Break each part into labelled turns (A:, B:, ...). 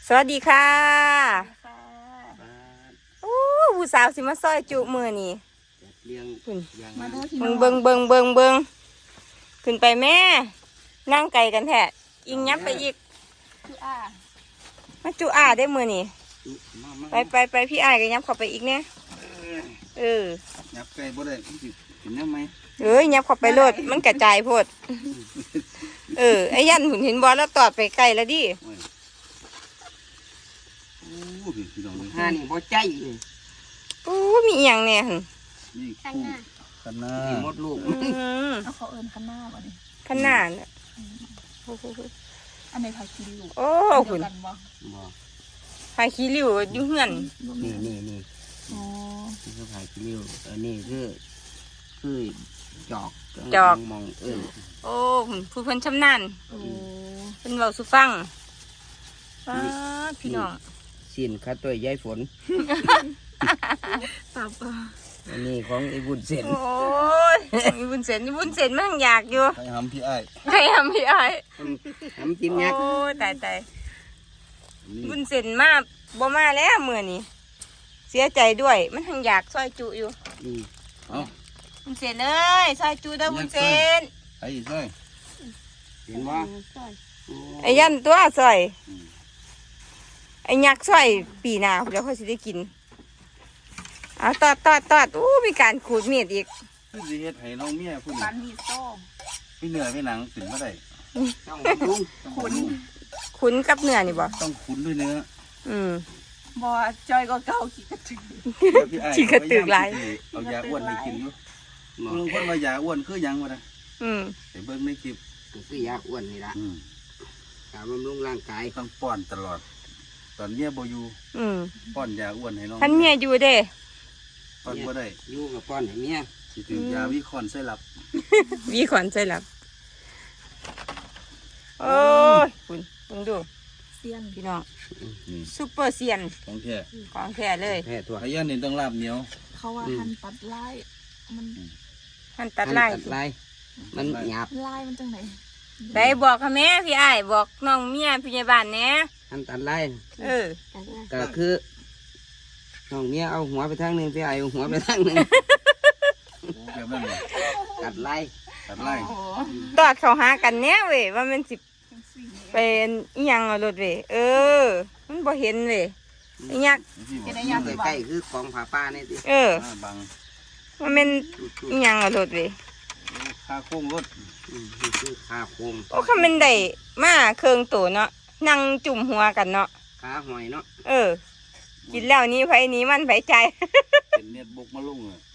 A: สวัสดีค่ะ
B: ค่ะ
A: โอ้ผู้สาวสิมาซอยจุมือนี่
C: เลี้ยง
A: คุณ
C: อย่าง
B: มา
C: นั้น
B: เด้อพี่
A: เบิ
B: น้อง ง
A: เบิงขึ้นไปแม่นั่งไกลกันแท้อิงยับไปอีก
B: คืออ่า
A: มาจุอาได้มือนี่
C: มา
A: ไปพี่อ้ายก็ยับเข้าไปอีกเนี่ยเออ
C: ยับไก่บ่ได้เห็นได้ไหม
A: เอ้ยยับเข้าไปโลดมันกระจายโพดเออไอ้ยันหุ่นเห็นบอลแล้วตอดไปไกลแล้วดิ
C: โอ้พี่น้องเลย
D: ห้านี่บ่ใจเลย
A: โอ้มีอหย่างเนี่ยหั่น
C: นี่คู่กันหน้า
D: นี่หมดลูก
A: อืม
B: เอาเขาเอิญข้างหน้าบ่นี่
A: ขนาดน่ะโอ้โห
B: อันในผักชีริ้ว
A: โอ้
B: เดี
A: คุ
B: ยว
A: ณ
B: กันบ่
D: บ่
A: พายขี้ริ้วอยู่เฮือน
D: นี่
B: อ๋อ
D: นี่คือผายคิ้วอันนี้คือจอกมอง
A: โอ้ผู้เพิ่นชำนาญ
B: โอ้
A: เพิ่นเว้าสู่ฟังป้าดพี่น้อง
D: สิ้นข้าตัวยายฝน
B: ตับ
D: อันนี้ของไอ้บุญเส้น
A: โอ้ยมีบุญเส้นมันอยากอยู่
C: ใครทำพี่ไอ้
A: ใครทำพี่ไอ้าย
D: น้ำจิ้มยักษ์
A: โอ้ยตาย
C: นี่
A: บุญเส้นมาบ่มาแล้วมื้อนี้เสียใจด้วยมันทั้งอยากซอยจุอยู่
C: เอา
A: บุญเส้นเอ้ยซอยจุเด้อบุญเส้น
C: ไอ้ช่วย
D: เห็นว่า
A: ไอ้ยันตัวซอยไอ้ยักษ์ซอยปีหน้าเดี๋ยวเขาสิได้กินเอาตอดอู้มีการขูดมีดอีก
C: คือสิเฮ็ดให้น้องเมียผู้
B: ปั
C: นี้
B: นมีโซ่
C: พี่เหนื่อยพี่หนังถึงมาได้
D: ต้องบำรุง
C: ต้อง
B: ขุน
C: รู้
A: คุ้นกับเนื้อนี่บ่
C: ต้องคุ้นด้วยเนื้อ
A: อืม
B: บ่จอยก็เก่าขี้กระจือ
C: พี่ไอ้
A: ขี้กระตือกหลาย
C: เอายาอ้วนให้กินอยู่ลุงคนว่ายาอ้วนคือหยังวะนะ
A: อืม
C: เห็นเบิ่งในคลิป
D: คือยาอ้วนนี่ละการบำรุงร่างกาย
C: ต้องป้อนตลอด ตอนเมียบ่อยู่
A: อืม
C: ป้อนยาอ้วนให้น้อง
A: ท่านเมียอยู่เด้
C: ป้อนบ่ได้
D: อยู่กับป้อนให้เมีย
C: สิถึงยาวิคอนไส้หลับ
A: วีขวัญใจหลับโอ้ยคุณเบิ่งดู
B: เซียน
A: พี่น้อง
C: นี่
A: ซุปเปอร์เซียน
C: ของแท้
A: ของแท้เลย
D: แพ้ตัว
C: ไอ้ยันนี่ต้องลาบเหนียว
B: เขาว่าหั่นตัดลายมัน
A: มันตัดไล่
D: ตัดลายมันหยาบ
B: ลายมันจังไหน
A: ได้บอกค่ะแม่พี่อ้ายบอกน้องเมียพี่ยาบาลแหน่
D: อันตัดลาย
A: เออ
D: ก็คือน้องเมียเอาหัวไปทางหนึงพี่ไอ้เอาหัวไปทางหนึง
C: แบบนั้นเลย
D: ตัดลาย
C: ตัดไล่
B: โอ้
A: ตอดเขาหากันเนี้ยเว้ยว่ามันสิ
B: จังซี่นี่
A: เป็นอีหยังเอารถเว้ยเออ มันบ่เห็นเว้ยไอ้ยักษ์
C: ที่บ
B: เป็
C: อน ก
B: ไอ้ยังสิบ่
D: ใกล้ๆคือของผาป้านี่สิ
A: เออ
C: บัง
A: มันเป็นอีหยังเอารถเว้ย
C: ค่าโค้งรถ
D: นี่คือขาโคม
A: โอ้คำเป็นได้มาเครื่องตัวเนาะนั่งจุ่มหัวกันเนาะ
D: ขาหอยเนาะ
A: เออ กินแล้วนี้ไผนี้มันไผใจ
C: เป็นเน็ตบกมาลงอ่ะ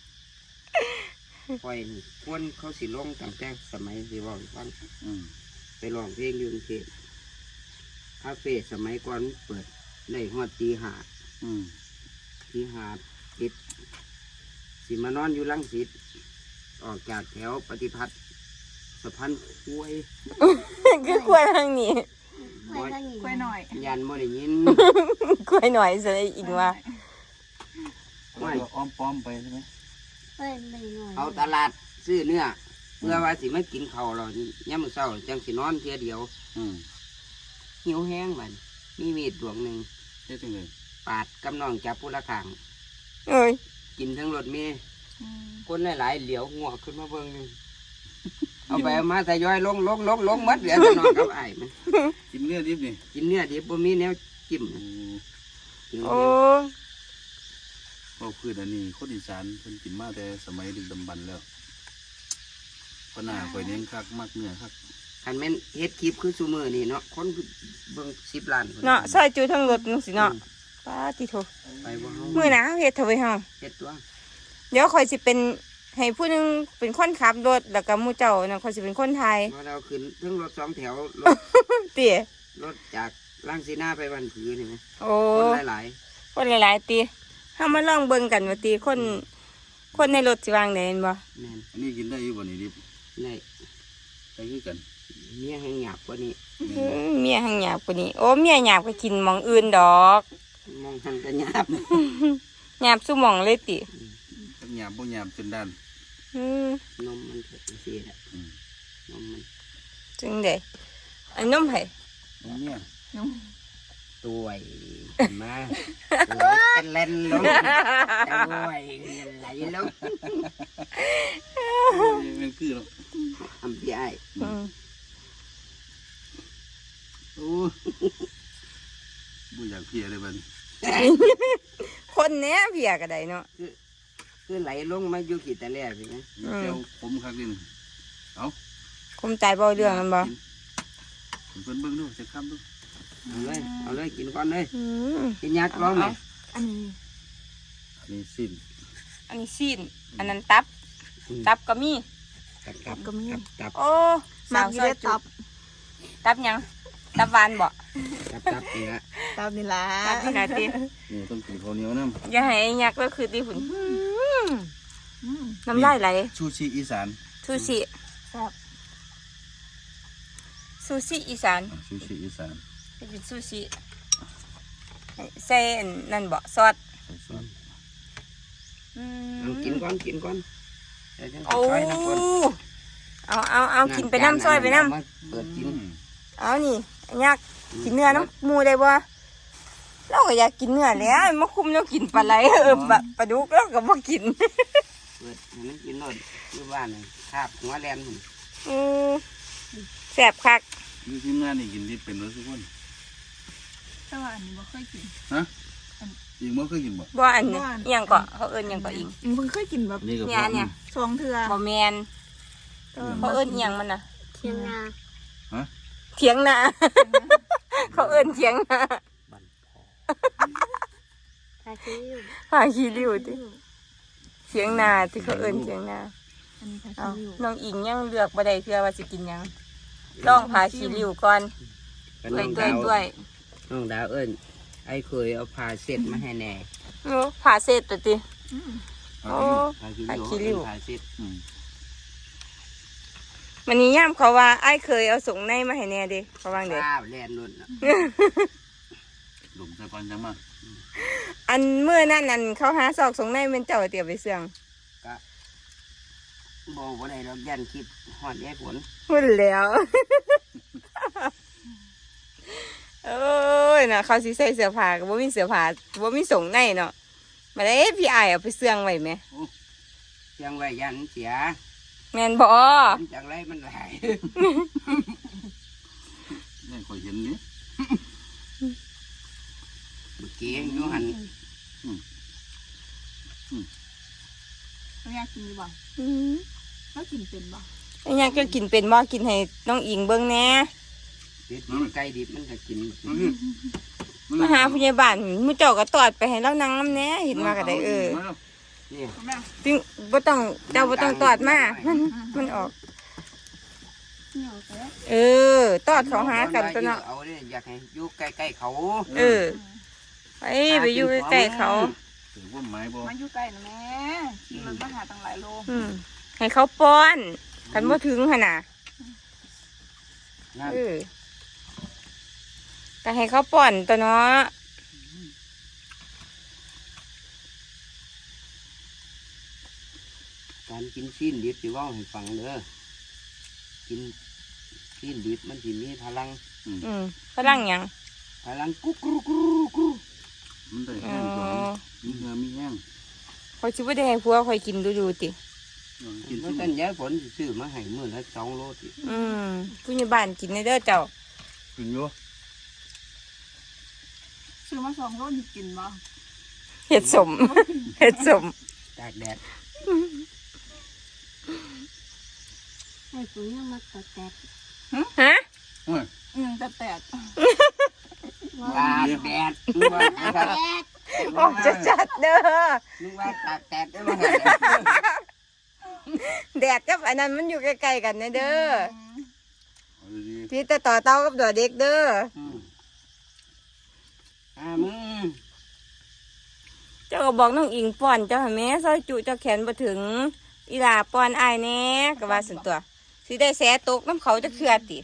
D: คอยนี่คนเขาสิลงตั้งแต่สมัยสิเว่าให้ฟัง
C: อืม
D: ไปร้องเพลงอยู่กรุงเทพคาเฟ่สมัยก่อนเปิดได้ฮอดตีห้า
C: อืม
D: ตีห้าปิดสิมานอนอยู่ลังสิตออกจากแถวปฏิพัฒน์สะพานคุ้ย
A: คือกล้วยทางนี้
D: บ่
B: กล้วยหน่อย
D: ยันบ่ได้ยิน
A: กล้วยหน่อยสิอีกว่า
D: ไม่
C: แล้วก็อ้อมป้อมไปใช่ไหม
D: เอาตลาดซื้อเนื้อเพื่อว่าสิมากินข้าวเราย่ามมื้อเช้าจังสินอนเทียเดียว
C: อืม
D: หิวแห้งมันมีมีดดวงหนึ่ง
C: เฮ็ดจังได๋
D: ปาดกำนองจับผู้ละข้าง
A: เอ้ย
D: กินทั้งรถเมล์
B: อืม
D: คนหลายๆเหลียวหัวขึ้นมาเบิ่งหนึงเอาไปเอามาทยอยลงหมัดเหลือแต่นอนกับไอ้ายมัน
C: กินเนื้อดิบนี่
D: กินเนื้อดิบบ่มีแนวจิ้ม
C: โอ้
D: กิน
A: โอ้
C: บ่คืออันนี้คนอีสานเพิ่นกินมาแต่สมัยดึกดำบรรพ์แล้วปนาข่อยเน้นคักมักเนื้อคัก
D: คันแม่นเฮ็ดคลิปคือซุมื้อนี่เนาะคนเบิ่ง10 ล้านพุ่
A: เนาะซอยจูทั้งรถนึงสิเนาะป้าติโถ
D: ไปบ่เฮา
A: มื้อหน้าเฮาเฮ็ดเถอะเว้ยเฮา
D: เฮ็ดตัว
A: เดี๋ยวข่อยสิเป็นให้ผู้หนึงเป็นคนขับรถแล้วก็หมู่เจ้าน่ะข่อยสิเป็นคนไทย
D: พอเราขึ้นถึงรถสองแถวรถ
A: เตี๋ย
D: รถจากลังสีหน้าไปวันผือนี่ไหม
A: โอ้
D: คนหลาย
A: คนหลายๆตีเฮามาลองเบิ่งกันว่าตีคนในรถสิวางได้แม่นบ่
D: ๆแม่น
C: อันนี้กินได้อยู่บ่นี่ดิบ
D: ได้
C: ได้คือกัน
D: เมียแห้งหยาบกว่านี้
A: เมียหังหยาบกว่านี้โอ้เมียหยาบก็กินหม่องอื่นดอก
D: มองทันกันหยาบ
A: หยาบซุหม่องเลยติ
C: ทั้งหยาบบ่หยาบจนด้าน
A: อืม
D: นมมันเผ็ดเสียแหละ
C: อืม
D: นมมัน
A: จึงได้อันนมไผ
C: น้องเนี่ย
B: น้อง
C: ต
D: ตัวมาเป็นเลนลงตัวไหลลง
C: มันคือเนาะ
D: ทำพี่ไอ้
A: อืม
C: โอ้บ่อยากเพียเลยบัด
A: คนเนี้ยเพียก็ได้เนาะ
D: คือไหลลงมาอยู่กี่ตะแล่สินะ
C: เจ้าผมคักดินเอา
A: คมใจบ่เรื่องมันบ่
C: เพิ่นเบิ่งดูจะค้ำดู
D: เอาเลยกินก่อนเลย
A: อืม
D: กินยักษ์ร้องไหม
B: อันนี้
C: อันนี้สิ้น
A: อันนี้ซีนอันนั้นตับก็มี
D: ตับ
A: โอ้
B: มั
A: สาก ว
B: อ
A: ซ
B: ยู่
A: อย
B: ได้
A: จุ
B: ตับ
A: ตับหยังตับหวานบ่
D: ตับนี่ละ
B: ตับนี่ล่ะ
A: ตับที่ไหนติ
C: นี่ต้องกินข้าวเหนียวน้ำ
A: อย่าให้ไอ้ยักษ์ก็คือตีหุ่น
B: อืม
A: น้ำลายไหล
C: ชูชีอีสาน
A: ซูชิ
B: แซ่บ
A: ซูชิอีสาน
C: ชูชีอีสาน
A: เป็นซูชิใส่อันนั่นบ่ซอส
C: ใส่ซอส
A: อื
D: เอา
A: ม
D: กินก่อนกินก่อนเดี๋ยวจะ
A: โอ้
D: ซอยน้ำก่อน
A: เอากินไปน้ำซอยไปน้
D: มาเปิดกิน
A: ำเอานี่ไอ้ยักษ์กินเนื้อน้ำหมูได้บ่เราก็อยากกินเนื้อแหล้วมาคุมเรากินปลาไหลปลาดุกเราก็บ่กิน
D: เปิดให้มันกินรสอยู่บ้านนี่คาบหัวแลน
A: อืมแซ่บคัก
C: อยู่ทีมงานนี่กินดิบเป็นรู้สึกว่า
B: แต่ว่าอันนี้บ่เคยกิน
C: ฮะอีกมื้อเคยกินบ่
A: บ่อันนี้อิหยังก็เขาเอิ้นอิหยังก็อีก
B: เพิ่งเคยกินแบบ
C: นี่ก็
A: เนี่ย
B: สองเทื่อ
A: บ่แม่นเขาเอิ้นอิหยังมันน่ะ
B: เทียงนา
A: เถียงนา เขาเอิ้นเถียงนา
D: บันพอ
B: ทาคิว
A: หาขี้ริ้วติเถียงนาที่เขาเอิ้นเถียงนา
B: อันนี้ทา
A: เอา
B: คิว
A: น้องอิงยังเลือกบ่ได้เพื่อว่าสิกินหยังลองพาขี้ริ้วก่อน
D: ก็
A: ด้วยด้วย
D: น้องดาวเอิ้นไอ้เคยเอาผ้าเช็ดมาให้แน่
A: โอ้ผ่าเสร็จตัวติ
B: อืม
A: โอ้
D: ผ้าขี้
A: ผ้าขี้ริ้
D: ริ้
A: ว
D: วผ้าเช็ด
A: มันนี้ย่ามเขาว่าไอ้ายเคยเอาส่งในมาให้แน่เด้เขาวางเด้
D: ป้าแลนนุ่นน่ะ
C: หลุมใส่ปันจังมา
A: อันเมื่อนั้นนั่นเขาหาซอกส่งในเป็นเจ้าเตียวไปเสื่อง
D: บ่ได้ดอกยันคิดฮอดยายฝน
A: หุ่นแล้ว โอ้ยน่ะเขาสิใส่เสื้อผ้าก็บ่มีเสื้อผ้าบ่มีส่งในเนาะมาได้พี่อ้ายเอาไปเสื่องไว้แหม
D: เชียงไว้ยันเสีย
A: แม่นบ่
D: มันจังไรมันหลาย
C: นี่คอยเห็นนี่
D: เมื่อกี้อยู่หัน
B: เขาอยากกินดีบ่
A: อืม
B: แล้วกินเป็นบ่
A: ไอ้ยังก็กินเป็นบ่กินให้น้องอิงเบิ่งแหน่
D: ดิบไก่ดิบมันก็กิน
A: มาหาผู้ใหญ่บ้านมื้อเจ้าก็ตอดไปให้เรานั่งนำแหน่เห็นว่าก็ได้
D: นี่
B: แม่
A: จึงบ่ต้องเจ้าบ่ต้องตอดมามันออก
B: เหนียวแต่
A: เออตอดเขาหากันตัวเนาะ
D: เอาเนี่ยอยากให้อยู่ใกล้ๆเขา
A: เออไปอยู่ใกล้ๆเขา
C: ถือว่าไม้บ่
B: มาอยู่ใกล้นะแม่ขี่รถมาหาตั้งหลายโล
A: อืมให้เขาป้อนกันบ่ถึงหั่นน่ะ
D: นั่น
A: เออก็ให้เขาป้อนตัวเนาะ
D: การกินซีนดิบสิเว่าให้ฟังเด้อกินซีนดิบมันสิมีพลัง
A: อืมฝรั่งหยัง
D: พลังกุ๊กกรุ๊กกรุ๊กกรุ๊ก
C: มันได้
A: อ๋
C: แห้
A: อง
C: ก่อนมีเหือมีแห้ง
A: เขาสิบ่ได้ให้ผัวคอยกินดูๆติ
C: กิน
D: เพราะฉะนั้นยายฝนสิซื้อมาให้มื้อละ2 โลติ
A: อืมผู้ใหญ่บ้านกินได้เด้อเจ้า
C: กินอยู่
B: ซื้อมา2 โลนี่กินบ่
A: เฮ็ดสม เฮ็ดสม
D: ตากแดด
B: ไอ้ปุ๋ยยังมาตัดแตก
A: ฮะ
C: โอ้ย
B: แต่แตก
D: ตากแดดนึกว่าตาก
A: ออกจัดๆเด้อ
D: นึกว่าตากแดดได้บ่ฮะ
A: แดดกับอันนั้นมันอยู่ใกล้ๆกันนะเด้อ
C: เอาดี
A: พี่แต่ต่อเต้ากับตัวเด็กเด้อ
D: มึง
A: เจ้าก็บอกน้องอิงป้อนเจ้าให้แม่ซอยจุเจ้าแขนบ่ถึงอีหลาป้อนอ้ายแหน่ก็ว่าซั่นตัวสิได้แสตกน้ำเขาจะเคลือติ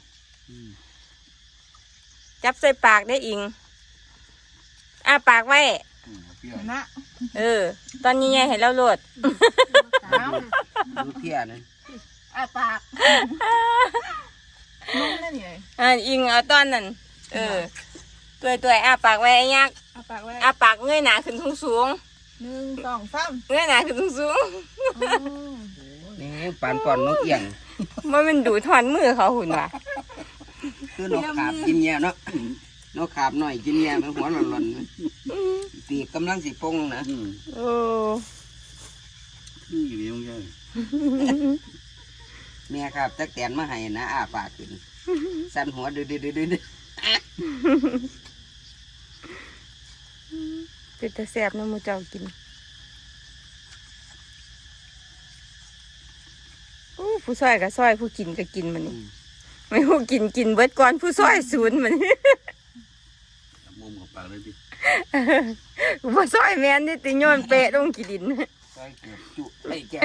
A: จับใส่ปากได้อิงอ้าปากไว้
C: เปรี้ยว
B: นะ
A: เออ ตอนนี้ยายให้เราโหลด
D: ดูเพี้ยนั่น
B: ปากน้องนั่นนี่เลย
A: อิงเอาตอนนั้นเออตัวอ้าปากไว้ไอ้ยักษ์
B: เอาปากไว้
A: อ้าปากเงยหน้าขึ้นสูง
B: 1 2 3
A: ๆเงยหน้าขึ้นสูง
D: นี่ปานป่อนนกเอียง
A: ๆมันดูถอนมือเขาหุ่นว่ะ
D: คือนกขาบกินแย่เนาะนกขาบหน่อยกินแย่มันหัวหล่นๆปีกกำลังสิปงนะ
A: โอ้
C: นี่อยู่ดีมึงแก
D: แม่ครับตักแตนมาให้นะอ้าปากขึ้นสั่นหัวดื้อ
A: เป็นตาแซ่บนะหมูเจ้ากินอู้ผู้ซอยก็ซอยผู้กินก็กินมันนี่ไม่ผู้กินเบิดก่อนผู้ซอยศูนย์มัน
C: จับมุมของปากเลยดิ
A: ผู้ซอยแม่นนี่ติโยนเปะลงกี่ดิน
D: ซอยเกือบจุไอ้แก้ว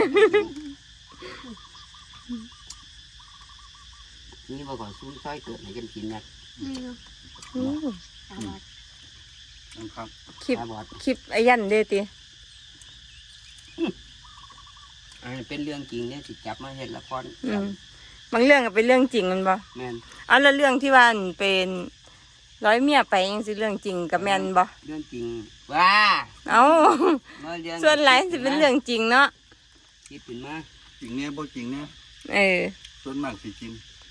D: นี่บ่ก่อนซุ้มซอยเกิดให้กันกินนะ
B: นี่ดู
A: อืม
B: ตาบอด
C: นะครับ
A: คลิป
D: ตาบอด
A: คลิปไอ้ยันเด้ติ
D: อันนี้เป็นเรื่องจริงเนี่ยสิจับมาเห็นละคร
A: บางเรื่องก็เป็นเรื่องจริงมันบ่
D: แม่น
A: เอาแล้วเรื่องที่ว่าอันเป็นร้อยเมียไปยังสิเรื่องจริงกับแม่นบ่
D: เรื่องจริงว้า
A: เอา
D: น้อยเรื่อง
A: ส่วนหลายสิเป็นเรื่องจริงเนาะ
D: คิดขึ้นมา
C: จริงเนี่ยบ่จริงเนี่ย
A: เออ
C: ส่วนมากสิจริง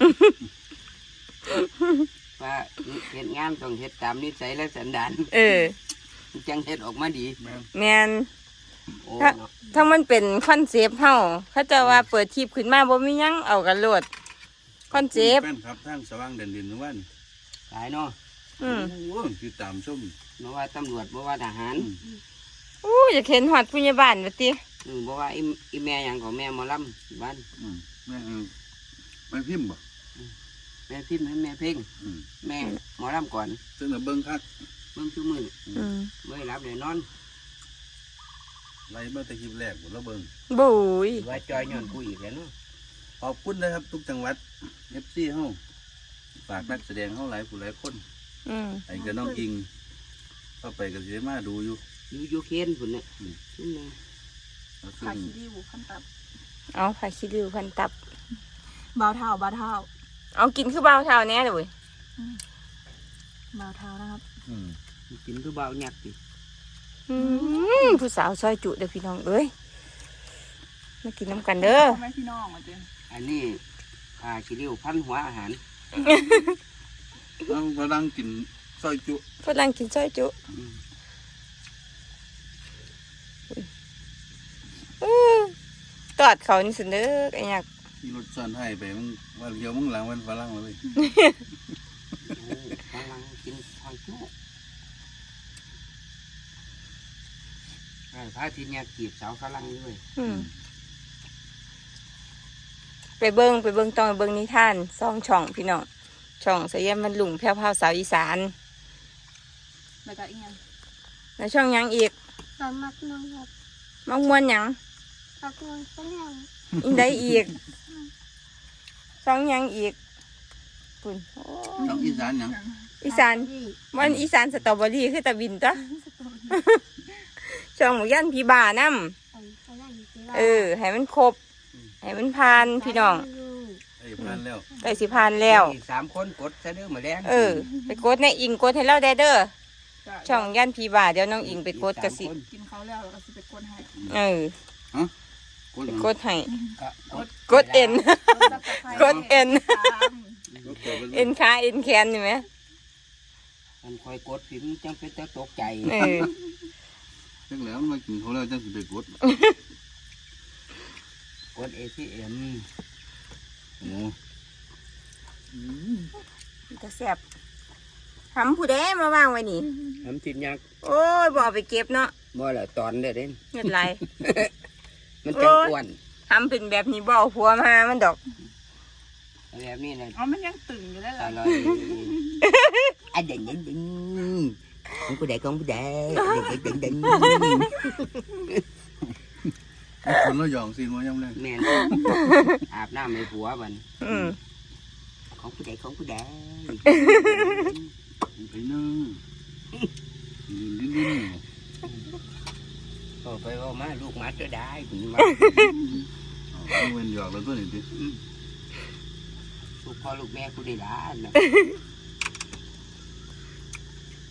D: ว่าเฮ็ดงานต้องเฮ็ดตามนิสัยและสันดาน
A: เออ
D: จังเฮ็ดออกมาดี
C: แม่น
A: แม่น
D: โอ้
A: ถ้า
D: เนาะ
A: ถ้ามันเป็นคอนเซปต์เฮาเขาจะว่าเปิดคลิปขึ้นมาบ่มีหยังเอากันโลดคอนเซปต์
C: แฟนครับทางสว่างเด่นดินวัน
D: หลายเนาะ
A: อืม
C: โอ้คือตามชม
D: บ่ว่าตำรวจบ่ว่าทหาร
A: อู้อยากเห็นฮอดผู้ใหญ่บ้านว่าติ
D: บ่ว่าอีแม่หยังของแม่หมอลำบ้าน
C: แม่ไม่พิมพ์บ่
D: แม่พิมพ์ให้แม่เพ่ง
C: อืม
D: แม่หมอลำก่อน
C: ซึ่งเบิ่งคัก
D: เบิ่งซุมื้อ
A: อืม
D: บ่ได้รับได้นอน
C: ไล่มาแต่คลิปแรกบ่แล้วเบิ่ง
A: บุย
D: ว่าจอยย้อนกูอีกแล้วเนาะ
C: ขอบคุณนะครับทุกจังหวัด FC เฮาฝากนักแสดงเฮาหลายผู้หลายคน
A: อืม
C: ไอ้กับน้องอิงเข้าไปก็สิได้มาดูอยู่
D: อยู่เคนพุ่นน่ะซุ่มนึง
C: แล้ว
B: ขา
C: ซึ่ง
B: ขี้ดีบุขั้นตับ
A: เอาผักขี้ริ้วพันตับ
B: เบาเท้าเบาเท้า
A: เอากินคือเบาเท่าแน่เลยเว้ย
B: เบาเท้านะครับ
D: กินคือเบาหยักติ
A: ผู้สาวซอยจุเด้อพี่น้องเอ้ยมากินน้ำกันเด้อ
B: พ่อแม่พี่น้องอ่ะเจ้
D: อันนี้ขี้ริ้วพันหัวอาหาร
C: เอากำลังกินซอยจุ
A: ฝรั่งกินซอยจุตอดเขานี่สิเด้อไอ้ยักษ์
C: ที่รถซ่อนให้ไปมึงว่าเดียวมึงหลังวันฝรั่งเลย
D: กำลังกินทางจุพระอาทิตย์เนี่ยจีบสาวฝรั่งด้วย
A: ไปเบิ้งต้องไปเบิ้งนิทาน2 ช่องพี่น้องช่องสยามบรรลุงแพ้วพราวสาวอีสาน
B: แล้วก็อีกอย่าง
A: แล้วช่องหยังอีก
B: ตอนมักน้องครับ
A: มักมวนหยัง
B: มักน้องฝรั่ง
A: อีกได้อีกช่องหยังอีกปุ่นโอ้
C: น้องอีสานหยัง
A: อีสานมันอีสานสตรอเบอรี่คือตะวินจ้ะ ช่องหมูย่านพี่บ่านํให้มันครบให้มันผ่านพี่น้อง
C: ไอ้พันแล้ว
A: ใกล้สิผ่านแล้ว
D: มี3 คนกดซะเด้อมาแรง
A: ไปกดในอิงกดให้เราได้เด้อช่องย่านพี่บ่าเดี๋ยวน้องอิงไปกดกระสิ
B: กินเขาแล้วแล้วก็สิไปกดให้
C: กด
A: ไป
C: หยัง
A: กดให้
D: กด
A: กดเอ็น กดเอ็น
C: กดเปิด
A: เอ็นขาเอ็นแขนนี่ไหม
D: มันคอยกดพิมพ์จังเป็นตะตกใจ
C: จังแล้วมันมากินเขาแล้วจังสิไปกด
D: กด ATM
C: โอ้
A: จะแสบทำผู้ใดมาวางไว้นี่
D: ทำทินยักษ์
A: โอ้ยบ่เอาไปเก็บเนาะ
D: บ่ละตอนเด้อเด้น
A: เงินไร
D: มันจังอ้วน
A: ทำเป็นแบบนี้บ่เอาผัวมามันดอก
D: แบบนี้นะ
B: อ๋อมันยังตึงอยู่ได้เหร
D: อ
B: อ
D: ร่อยอันเด่นของผู้ใดของผู้ใดเด่น
C: คนเราหยองสิว่ายังไง
D: แม่นอาบน้ำให้ผัวมัน ของผู้ใดของผู้ใด
C: ไปเนาะดิ้น
D: ก็ไปว่ามาลูกหมาจะได้คุณมา
C: เอาเงินหยอกแล้วตัวนี้ดิ
D: ลูกพ่อลูกแม่ผู้ใดล้านนะ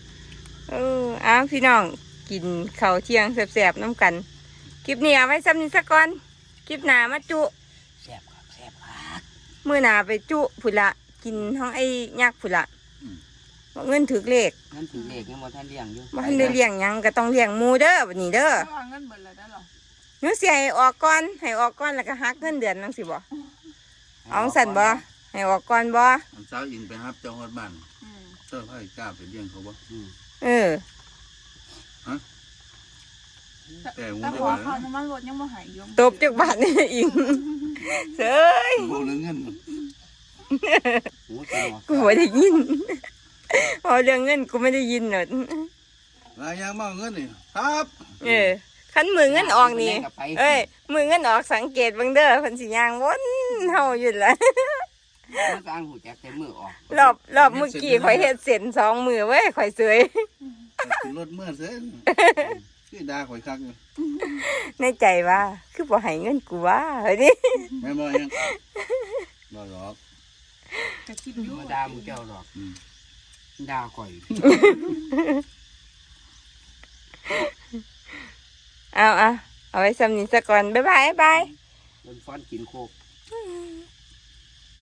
A: อ้าวพี่น้องกินข้าวเที่ยงแซ่บๆน้ำกันคลิปนี้เอาไว้ซ้ำนี้สักก่อนคลิปหน้ามาจุ
D: แซ่บครับแซ่บครับ
A: มื้อหน้าไปจุผุละกินห้องไอ้ยักษ์ผุละบ่เงินถึกเลข
D: นั่นถือเลขยังบ่ทันเลี้ยงอยู่
A: บ่ทันได้เลี้ยงหยังก็ต้องเลี้ยงหมูเด้อบัดนี้เด้อ
B: ระวังเงินเบิดเลยได้หรอ
A: หนูสิให้ออกก่อนให้ออกก่อนแล้วก็หักเงินเดือนจังซี่บ่เอาสั่นบ่ให้ออกก่อนบ่
C: อันเช้าอิงไปรับเจ้าฮอดบ้านเจ้าให้กล้าไปเลี้ยงเขาบ่
A: เออ
C: แต่งู
B: แต่
C: ได้
B: ขอ
C: ว่า
B: เขาน้ำมันรถยังบ่หายอยู่
A: ตบจักบาทนี่อิงเซ้ย
C: บ่เรื่องเงิน
D: หูสนอ
A: กูไม่ได้ยิน พอเรื่องเงินกูไม่ได้ยินหนอ
C: ลายยางมาเอาเงินนี่ครับ
A: คันมือเงินออกนี่ เอ้ย มือเงินออกสังเกตเบิ่งเด้อเพิ่นสิย่างวนเฮาอยู่ล่ะ
D: มันก็อังหูแจกแต่มือออก
A: รอบเมื่อกี้ข่อยเฮ็ดเส้น2 มือเว้ยข่อยเสย
C: ขึ้นรถเมื่อเส้นคือด่าข่อยคักนี่
A: ในใจว่า คือบ่ให้เงินกูว่าเฮ้ยนี่
C: แม่นบ่ยังบ่หรอก
B: จะคิดอยู่
D: มาด่ามึงเจ้าหรอกด่าข่อย
A: เอาไว้ซ้ำนี้ซะก่อนบ๊ายบาย
D: มันฟ้อนกินโคก